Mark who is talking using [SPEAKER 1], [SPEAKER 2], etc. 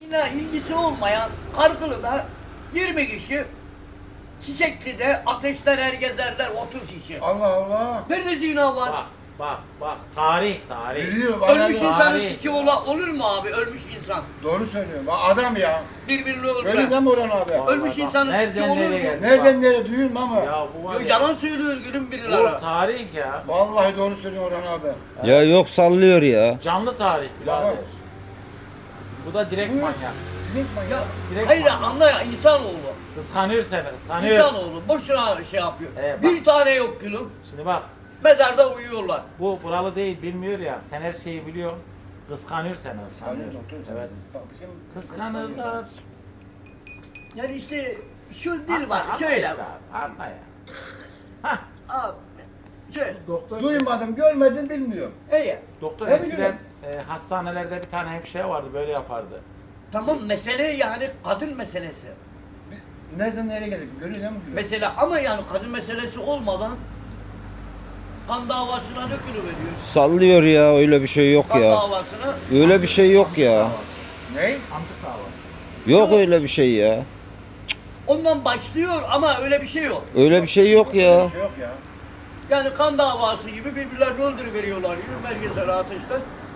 [SPEAKER 1] ilgisi olmayan Kargılı'da 20 kişi, Çiçekli'de Ateşler Ergezerler 30 kişi.
[SPEAKER 2] Allah Allah.
[SPEAKER 1] Nerede zina var?
[SPEAKER 3] Bak. Tarih.
[SPEAKER 2] Biliyorum.
[SPEAKER 1] Ölmüş
[SPEAKER 2] adam-
[SPEAKER 1] insanın
[SPEAKER 3] Tarih
[SPEAKER 1] siki
[SPEAKER 3] ya.
[SPEAKER 1] olur mu abi? Ölmüş insan.
[SPEAKER 2] Doğru söylüyorum. Adam ya.
[SPEAKER 1] Birbirini
[SPEAKER 2] Öyle
[SPEAKER 1] öldüren.
[SPEAKER 2] deme Orhan abi.
[SPEAKER 1] Ölmüş
[SPEAKER 3] Bak,
[SPEAKER 1] insanın
[SPEAKER 3] nereden
[SPEAKER 1] suçu olur
[SPEAKER 3] nereye
[SPEAKER 1] mu?
[SPEAKER 3] geldi?
[SPEAKER 2] Nereden nereye duyuyorum ama.
[SPEAKER 3] Ya bu var
[SPEAKER 1] Yo,
[SPEAKER 3] ya.
[SPEAKER 1] yalan söylüyor gülüm
[SPEAKER 3] Bu
[SPEAKER 1] birileri.
[SPEAKER 3] tarih ya.
[SPEAKER 2] Vallahi doğru söylüyor Orhan abi.
[SPEAKER 4] Ya yok sallıyor ya.
[SPEAKER 3] Canlı tarih birader.
[SPEAKER 2] Baba.
[SPEAKER 3] Bu da direkt
[SPEAKER 2] Buyur.
[SPEAKER 3] manyak.
[SPEAKER 1] Ya,
[SPEAKER 3] Direkt
[SPEAKER 1] hayır
[SPEAKER 3] manyak.
[SPEAKER 1] anla ya insanoğlu.
[SPEAKER 3] Kıskanıyor seni, kıskanıyor.
[SPEAKER 1] İnsanoğlu boşuna şey yapıyor.
[SPEAKER 3] Bak.
[SPEAKER 1] Bir tane yok gülüm.
[SPEAKER 3] Şimdi bak,
[SPEAKER 1] Mezarda uyuyorlar.
[SPEAKER 3] bu buralı değil, bilmiyor ya. Sen her şeyi biliyorsun. Kıskanıyor seni, kıskanıyor. Evet. Kıskanırlar.
[SPEAKER 1] Yani işte şu dil var.
[SPEAKER 3] Anla
[SPEAKER 1] Şöyle.
[SPEAKER 3] işte abi, anla ya. Hah,
[SPEAKER 1] Abi. Şöyle.
[SPEAKER 3] doktor.
[SPEAKER 2] Duymadım, görmedim, bilmiyorum.
[SPEAKER 1] İyi.
[SPEAKER 3] Doktor
[SPEAKER 2] Ne
[SPEAKER 3] eskiden
[SPEAKER 2] biliyorum?
[SPEAKER 3] hastanelerde bir tane hemşire vardı, böyle yapardı.
[SPEAKER 1] Tamam mesele yani kadın meselesi.
[SPEAKER 2] Nereden nereye geldik? Görüyor musun?
[SPEAKER 1] Mesela ama yani kadın meselesi olmadan kan davasına dökülüveriyor.
[SPEAKER 4] Sallıyor ya, öyle bir şey yok
[SPEAKER 1] Kan
[SPEAKER 4] ya.
[SPEAKER 1] davasına.
[SPEAKER 4] Öyle bir şey yok ya.
[SPEAKER 2] Ne?
[SPEAKER 3] Amcık davası.
[SPEAKER 4] Yok öyle bir şey ya.
[SPEAKER 1] Ondan başlıyor ama öyle bir şey yok.
[SPEAKER 4] Öyle bir şey yok ya.
[SPEAKER 2] Bir şey yok ya.
[SPEAKER 1] Yani kan davası gibi birbirlerini öldürüveriyorlar. Yürü belgesel ateşten.